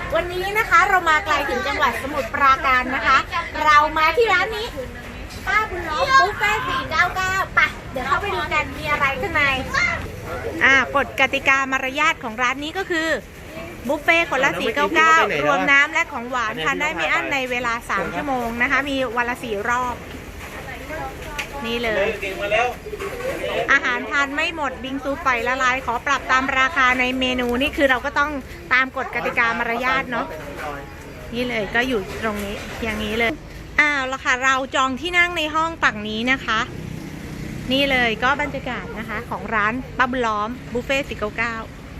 วันนี้นะคะเรามาไกลถึงจังหวัดสมุทรปราการนะคะ เรามาที่ร้านนี้ป้าบุญล้อมบุฟเฟ่499ไปเดี๋ยวเข้าไปดูกันมีอะไรข้างในกฎกติกามารยาทของร้านนี้ก็คือบุฟเฟ่คนละ499รวมน้ำและของหวานทานได้ไม่อั้นในเวลา3ชั่วโมงนะคะมีวันละ4รอบนี่เลยอาหารทานไม่หมดบิงซูปล่อยละลายขอปรับตามราคาในเมนูนี่คือเราก็ต้องตามกฎกติกามารยาทเนาะนี่เลยก็อยู่ตรงนี้อย่างนี้เลยแล้วค่ะเราจองที่นั่งในห้องฝั่งนี้นะคะนี่เลยก็บรรยากาศนะคะของร้านป้าบุญล้อมบุฟเฟ่499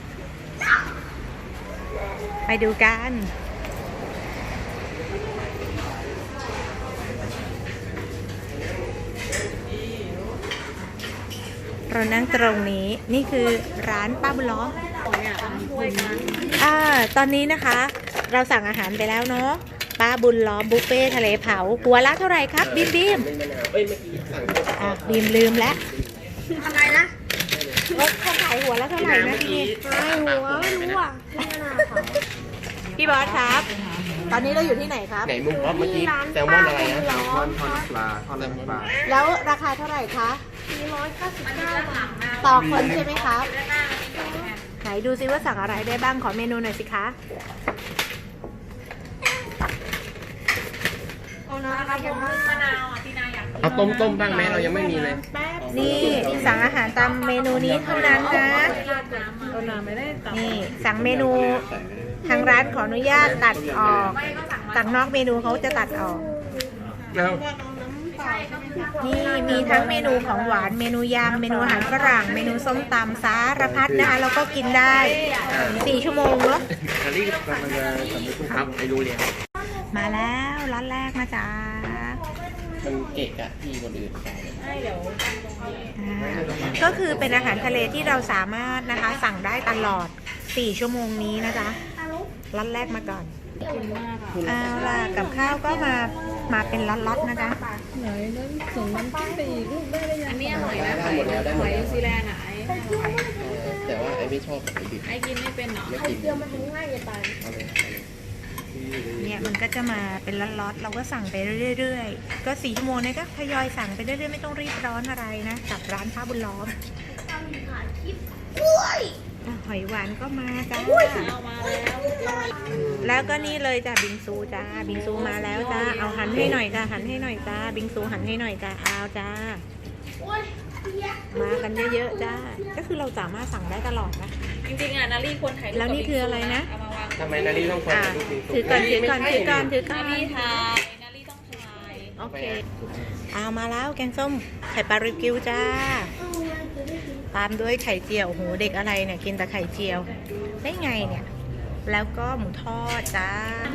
ไปดูกันเรานั่งตรงนี้นี่คือร้านป้าบุญล้อมตอนนี้นะคะเราสั่งอาหารไปแล้วเนาะป้าบุญล้อมบุฟเฟ่ทะเลเผาหัวละเท่าไหร่ครับบีมบีมลืมแล้วอะไรนะเขาขายหัวละเท่าไหร่นะพี่หัวไม่รู้อ่ะพี่บอสครับตอนนี้เราอยู่ที่ไหนครับไหนมุกเมื่อกี้แซลมอนอะไรนะแซลมอนทอดปลาแล้วราคาเท่าไหร่คะ 499 บาทต่อคนใช่ไหมครับไหนดูซิว่าสั่งอะไรได้บ้างขอเมนูหน่อยสิคะเอาต้มบ้างไหมเรายังไม่มีเลยนี่สั่งอาหารตามเมนูนี้เท่านั้นนะนี่สั่งเมนูทางร้านขออนุญาตตัดออกสั่งนอกเมนูเขาจะตัดออกนี่มีทั้งเมนูของหวานเมนูยำเมนูอาหารฝรั่งเมนูส้มตำสารพัดนะคะแล้วก็กินได้4 ชั่วโมงเนาะครับไปดูเลยมาแล้วร้านแรกนะจ๊ะมันเกะอะที่คนอื่นขายก็คือเป็นอาหารทะเลที่เราสามารถนะคะสั่งได้ตลอด4 ชั่วโมงนี้นะจ๊ะร้านแรกมาก่อนกับข้าวก็มาเป็นล็อตๆนะจ๊ะไหนนั้นส่งน้ำจิ้มไปอีกลูกได้เลยอันนี้อร่อยนะหอยนิวซีแลนด์อ่ะแต่ว่าไอ้ไม่ชอบไอ้ดิบไอ้กินไม่เป็นหรอไข่เจียวมันง่ายจะตายเนี่ยมันก็จะมาเป็นล็อตๆเราก็สั่งไปเรื่อยๆก็4 ชั่วโมงเนี่ยก็ทยอยสั่งไปเรื่อยๆไม่ต้องรีบร้อนอะไรนะกับร้านป้าบุญล้อมหอยหวานก็มาจ้าแล้วก็นี่เลยจ้าบิงซูจ้าบิงซูมาแล้วจ้าเอาหันให้หน่อยจ้าหันให้หน่อยจ้าบิงซูหันให้หน่อยจ้าเอาจ้ามากันเยอะๆจ้าก็คือเราสามารถสั่งได้ตลอดนะจริงๆนารีควรถ่ายแล้วนี่คืออะไรนะทำไมนารีต้องคอยถือก่อนนารีต้องถ่ายโอเคเอามาแล้วแกงส้มไข่ปลาริวกิวจ้าตามด้วยไข่เจียวโหเด็กอะไรเนี่ยกินแต่ไข่เจียวได้ไงเนี่ยแล้วก็หมูทอดจ้า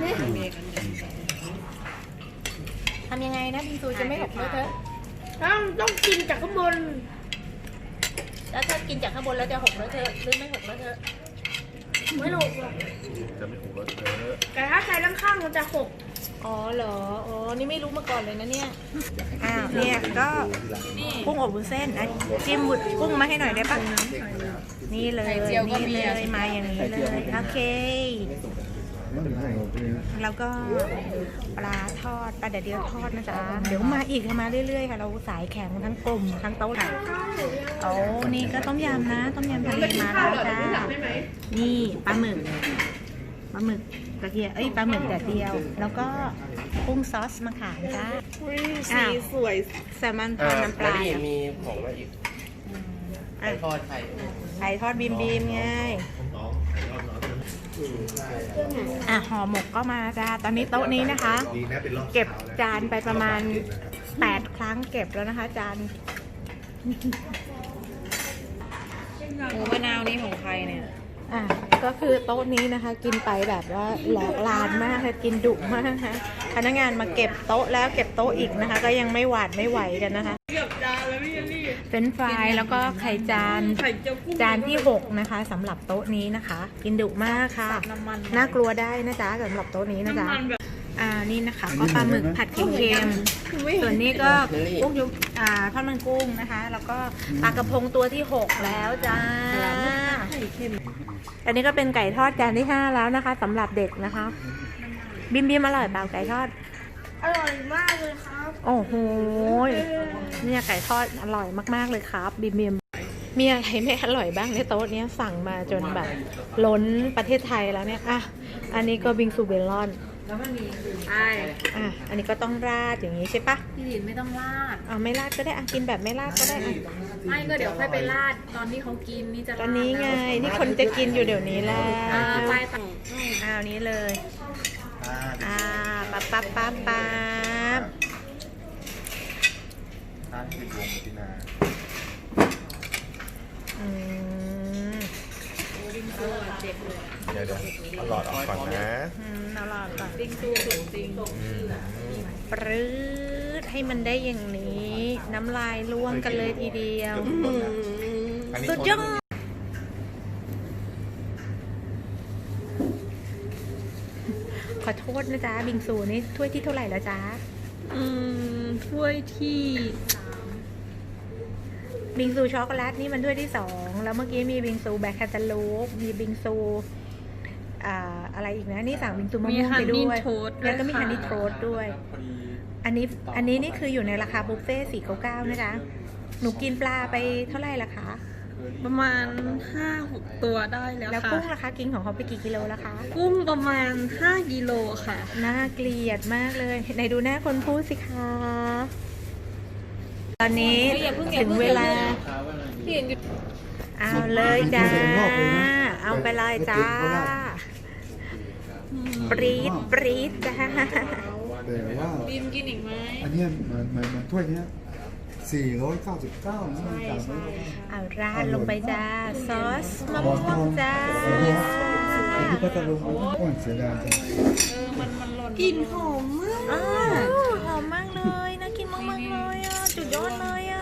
ทำยังไงนะบิงซูจะไม่หกเลอะเทอะต้องกินจากข้างบนแล้วถ้ากินจากข้างบนแล้วจะหกเลอะเทอะหรือไม่หกเลอะเทอะไม่หกหรอกจะไม่หกเลอะเทอะแต่ถ้าใครข้างๆมันจะหกอ๋อเหรออ๋อนี่ไม่รู้มาก่อนเลยนะเนี่ยเนี่ยก็กุ้งอบวุ้นเส้นจิ้มกุ้งมาให้หน่อยได้ปะนี่เลยนี่เลยมาอย่างนี้เลยโอเคแล้วก็ปลาทอดปลาเดี๋ยวทอดนะจ๊ะเดี๋ยวมาอีกมาเรื่อยๆค่ะเราสายแข็งทั้งกลุ่มทั้งโต๊ะค่ะโอ้นี่ก็ต้มยำนะต้มยำทะเลมาแล้วจ้านี่ปลาหมึกกระเทียมปลาหมึกแดดเดียวแล้วก็กุ้งซอสมะขามจ้าสีสวยแซลมอนทอดน้ำปลามีของมาอีกไข่ทอดไข่ทอดบีมไงห่อหมกก็มาจ้าตอนนี้โต๊ะนี้นะคะเก็บจานไปประมาณ8 ครั้งเก็บแล้วนะคะจานหมูมะนาวนี่ของใครเนี่ยก็คือโต๊ะนี้นะคะกินไปแบบว่าแหลกลานมากเลยกินดุมากนะคะพนักงานมาเก็บโต๊ะแล้วเก็บโต๊ะอีกนะคะก็ยังไม่หวาดไม่ไหวกันนะคะเก็บจานแล้วพี่นี่เฟรนช์ฟรายแล้วก็ไข่จานที่6นะคะสำหรับโต๊ะนี้นะคะกินดุมากค่ะน่ากลัวได้นะจ๊ะสำหรับโต๊ะนี้นะจ๊ะนี่นะคะก็ปลาหมึกผัดเค็มส่วนนี้ก็กุ้งยุบทอดมันกุ้งนะคะแล้วก็ปลากระพงตัวที่6แล้วจ้าอันนี้ก็เป็นไก่ทอดจานที่ 5แล้วนะคะสำหรับเด็กนะคะบิมบิมอร่อยเปล่าไก่ทอดอร่อยมากเลยครับโอ้โหเนี่ยไก่ทอดอร่อยมากๆเลยครับบิมบิมมีอะไรไม่อร่อยบ้างในโต๊ะเนี้ยสั่งมาจนแบบล้นประเทศไทยแล้วเนี่ยอ่ะอันนี้ก็บิงซูเบลอนใช่อ่ะอันนี้ก็ต้องราดอย่างนี้ใช่ปะพี่หลินไม่ต้องราดเอาไม่ราดก็ได้อ่ะกินแบบไม่ราดก็ได้อ่ะไม่ก็เดี๋ยวค่อยไปราดตอนที่เขากินนี่จะตอนนี้ไงนี่คนจะกินอยู่เดี๋ยวนี้แล้วไปต่อเอานี้เลยปั๊บปั๊บปั๊บปั๊บคือวงตินาอืมเดี๋ยวเอาหลอดออกก่อนนะเอาหลอดก่อนจริงสูสูจริงปรื๊ดให้มันได้อย่างนี้ น้ำลายร่วงกันเลยทีเดียวสุดยอดขอโทษนะจ๊ะบิงซูนี่ถ้วยที่เท่าไหร่แล้วจ๊ะถ้วยที่บิงซูช็อกโกแลตนี่มันถ้วยที่ 2แล้วเมื่อกี้มีบิงซูแบล็คแคนตาลูปมีบิงซูอะไรอีกนะนี่สั่งบิงซูมะม่วงไปด้วยแล้วก็มีฮันนี่โทสต์ด้วยอันนี้นี่คืออยู่ในราคาบุฟเฟ่499นะจ๊ะหนูกินปลาไปเท่าไหร่ละคะประมาณ 5-6 ตัวได้แล้วแล้วค่ะกุ้งราคากินของเขาไปกี่กิโลละคะกุ้งประมาณ5กิโลค่ะน่าเกลียดมากเลยไหนดูหน้าคนพูดสิคะตอนนี้ถึงเวลาพี่หลินหยุดเอาเลยจ้าเอาไปเลยจ้าปรี๊ดปรี๊ดจ้าแต่ว่าบีมกินอีกไหมอันเนี้ยมันถ้วยเนี้ย499นะมันจานไม่เอาราดลงไปจ้าซอสมะม่วงจ้าอันที่พัทลุงโอ้ยเสียดายจังกลิ่นหอมมากอ้าวหอมมากเลยน่ากินมากๆเลยอ่ะจุดยอดเลยอ่ะ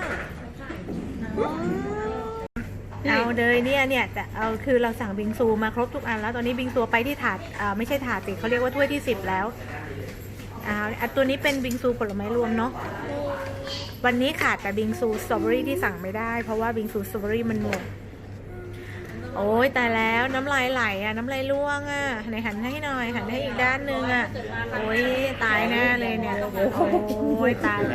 เอาเลยเนี่ยแต่เอาคือเราสั่งบิงซูมาครบทุกอันแล้วตอนนี้บิงซูไปที่ถาดไม่ใช่ถาดสิเขาเรียกว่าถ้วยที่10แล้วตัวนี้เป็นบิงซูผลไม้รวมเนาะวันนี้ขาดแต่บิงซูสตรอเบอรี่ที่สั่งไม่ได้เพราะว่าบิงซูสตรอเบอรี่มันหมดโอ้ยตายแล้วน้ำลายไหลอ่ะน้ำลายร่วงอ่ะไหนหันให้หน่อยหันให้อีกด้านนึงอ่ะโอ้ยตายแน่เลยเนี่ยโอ้ยตาย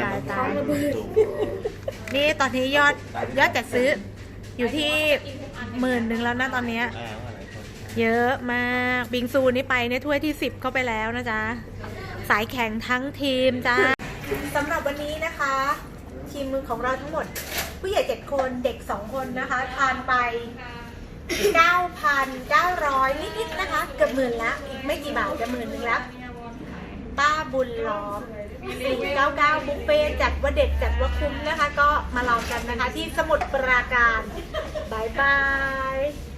นี่ตอนนี้ยอดจัดซื้ออยู่ที่10,000แล้วนะตอนนี้เยอะมากบิงซูนี่ไปเนี่ยถ้วยที่10เข้าไปแล้วนะจ๊ะสายแข่งทั้งทีมจ้าสำหรับวันนี้นะคะทีมมือของเราทั้งหมดผู้ใหญ่7คนเด็ก2คนนะคะทานไป 9,900 นิดๆนะคะเกือบ10,000ละอีกไม่กี่บาทจะ10,000แล้วป้าบุญล้อม499บุฟเฟ่จัดว่าเด็ดจัดว่าคุ้มนะคะก็มาลองกันนะคะที่สมุทรปราการบายบาย